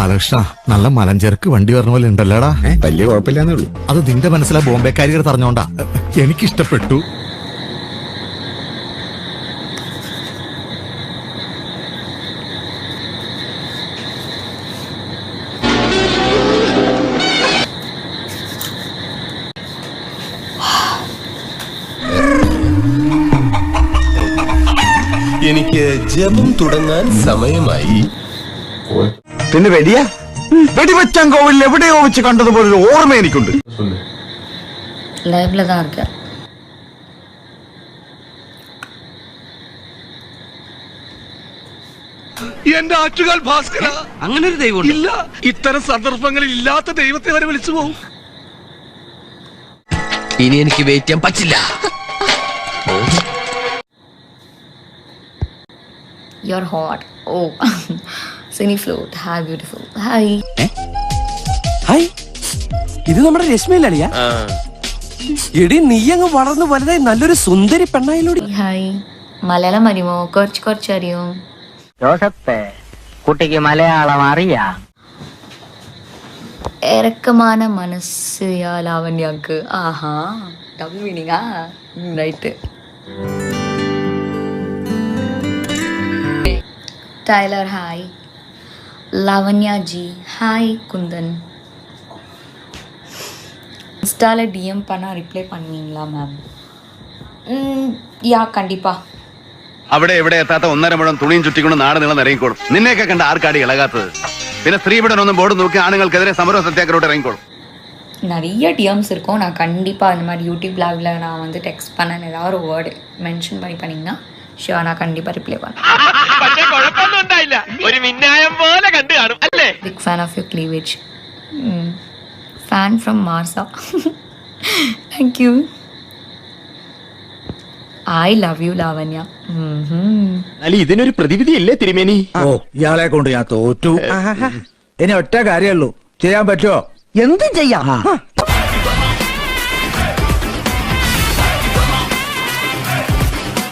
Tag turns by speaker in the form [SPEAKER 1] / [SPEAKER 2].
[SPEAKER 1] ബാലകൃഷ്ണ നല്ല മലഞ്ചേർക്ക് വണ്ടി പറഞ്ഞ പോലെ ഉണ്ടല്ലോടാ.
[SPEAKER 2] വലിയ കുഴപ്പമില്ലാന്നേ ഉള്ളൂ.
[SPEAKER 1] അത് നിന്റെ മനസ്സിലാ ബോംബെക്കാരികൾ പറഞ്ഞോണ്ടാ. എനിക്കിഷ്ടപ്പെട്ടു.
[SPEAKER 3] എനിക്ക് ജപം തുടങ്ങാൻ സമയമായി.
[SPEAKER 2] പിന്നെ വെടിവെച്ചാൻ കോവിലിൽ എവിടെയോ വെച്ച് കണ്ടതുപോലെ ഒരു ഓർമ്മ എനിക്കുണ്ട്.
[SPEAKER 4] ലൈவ்ல தான் இருக்க.
[SPEAKER 5] എന്റെ ആറ്റുകാൽ ഭാസ്കര, അങ്ങനെ ഒരു ദൈവം ഇല്ല. ഇത്തരം സന്ദർഭങ്ങളിൽ ഇല്ലാത്ത ദൈവത്തെ വരെ വിളിച്ചു പോകും.
[SPEAKER 3] ഇനി എനിക്ക് വെയിറ്റ് ചെയ്യാൻ പറ്റില്ല.
[SPEAKER 4] You're hot. Oh. Sunny float. Hi beautiful. Hi.
[SPEAKER 6] Hi, ഇത് നമ്മുടെ രശ്മിയിലളിയാ. എടി നീ അങ്ങ് വളർന്നു വലുതായി നല്ലൊരു സുന്ദരി പെണ്ണായിലൂടെ.
[SPEAKER 4] ഹായ്. മലയാളം അറിയുമോ? കുറച്ച് അറിയും.
[SPEAKER 7] ജോസഫ്, കുട്ടിക്ക് മലയാളം അറിയാം.
[SPEAKER 4] ഇറക്കமான മനസ്സ് യാ ലാവണ്യാക്ക്. ആഹാ, ഡബിൾ മീനിങ്ങാ. Right. Tailor hi. Lavanya ji hi. Kundan இன்ஸ்டால டிஎம் பண்ணா ரிப்ளை பண்ணுவீங்களா மேம்? യാ കണ്ടിപ്പാ.
[SPEAKER 8] അവിടെ എവിടെ എത്താത്ത 1.5 മുഴം തുണിയും ചുറ്റിക്കൊണ്ട് നാട് നീളം ഇറങ്ങിക്കോളും. നിന്നെയൊക്കെ കണ്ട ആർക്കാടി ഇളകാത്തത്? പിന്നെ സ്ത്രീപീഡനൊന്നും ബോർഡ് നോക്കി ആണുങ്ങൾക്കെതിരെ സമരവും സത്യാഗ്രഹോട്ട് ഇറങ്ങിക്കോളും.
[SPEAKER 4] நிறைய டிஎம்ஸ் இருக்கும். நான் கண்டிப்பாக இந்த மாதிரி யூடியூப் லைவ்ல நான் வந்து டெக்ஸ்ட் பண்ணேன், ஏதாவது ஒரு வேர்டு மென்ஷன் பண்ணிங்கன்னா ஷியோர் நான் கண்டிப்பாக ரிப்ளை பண்ணேன். Big fan of your cleavage. Fan from மார்சா. Thank you. I love you Lavanya.
[SPEAKER 5] ഇതിനൊരു പ്രതിവിധി ഇല്ലേ തിരുമേനി?
[SPEAKER 2] ഓ, ഇയാളെ കൊണ്ട് ഞാൻ തോറ്റു. ഇനി ഒറ്റ കാര്യമുള്ളൂ, ചെയ്യാൻ പറ്റുമോ?
[SPEAKER 7] എന്തും ചെയ്യാം.